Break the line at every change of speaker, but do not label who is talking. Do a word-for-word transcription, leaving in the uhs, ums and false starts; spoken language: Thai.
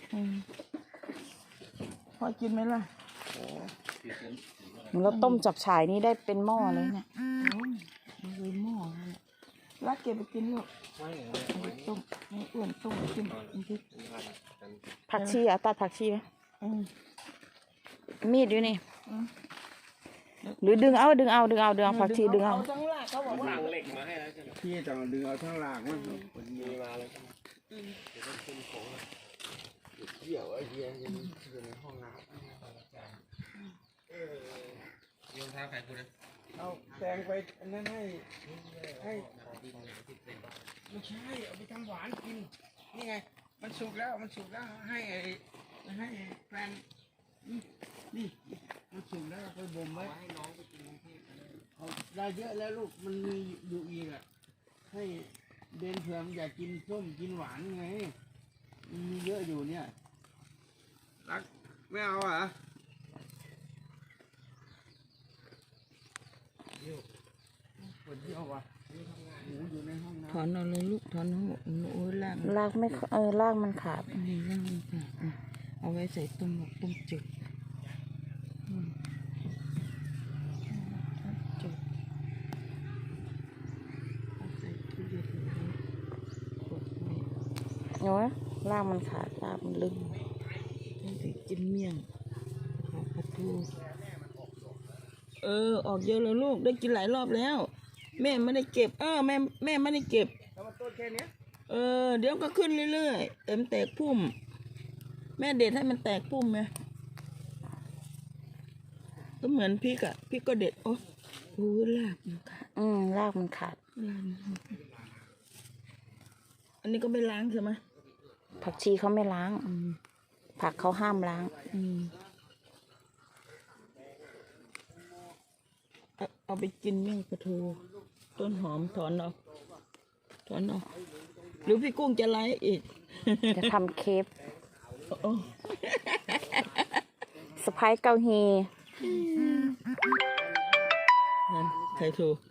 พอกินไหมล่ะ
เราต้มจับฉ่ายนี่ได้เป็นหม้อเลยเนี่ย
มันเลยหม้อเลยรักเก็บไปกินลูกเอาไปต้มให้อ้วนต้มกินกิน
ผักชีอ่ะตัดผักชีไหมมีดอยู่นี่หรือดึงเอาดึงเอาดึงเอาดึงเอาผักชีดึงเอา
ทั้งหลักเขาบอกว่า
เหล็กมาให้แล้วใช่ไหม
พี่ต้องดึงเอาทั้งหลากมัน
มีมาแล้วใช่ไหมเดี๋ยวต้องขึ้นของเกี่ยวไอ้เหี้ยยังอยู่ในห้องน้ำเออโยนท้าใครกูนะ
เอาแตงไปอันนั้นให้ให้ไม่ใช่เอาไปทำหวานกินนี่ไงมันสุกแล้วมันสุกแล้วให้ไอ้ให้แฟนนี่มันสุกแล้วไปบ่มไว้ให้น้องไปกินเอาได้เยอะแล้วลูกมันมีอยู่อีกอ่ะให้เบนเผื่อมันอยากกินส้มกินหวานไงมันมีเยอะอยู่เนี่ยรักไม่เอาอ่ะเดี๋ยวปวดเยี่ยวว่ะหมูอยู่ในห้องน้ำ
ถอนเอาเลยลูกถอนหัวโอ้ยลาก
ลากไม่เออลากมันขาด
นี่ลากมันขาดเอาไว้ใส่ต้มหมกต้มจืดจืดใส่ตู้เย็นกดไว้
เนาะลากมันขาดลากมันลึก
ต้องไปกินเมี่ยงผักปลาทูเออออกเยอะแล้วลูกได้กินหลายรอบแล้วแม่ไม่ได้เก็บเออแม่แม่ไม่ได้เก็บ
แล้วมันต้นแค่นี้
เออเดี๋ยวก็ขึ้นเรื่อยๆเต็มแตกพุ่มแม่เด็ดให้มันแตกพุ่มไหมก็เหมือนพริกอะพริกก็เด็ดโอ้โหลากมันขาด
อืมลากมันขาด
อันนี้ก็ไม่ล้างใช่ไหม
ผักชีเขาไม่ล้างผักเขาห้ามล้าง
เอาไปกินเมี่ยงปลาทูต้นหอมถอนเอาถอนเอาหรือพี่กุ้งจะไล่อีก
จะทำเคฟสไปซ์เกาฮี
นั่นใครถูก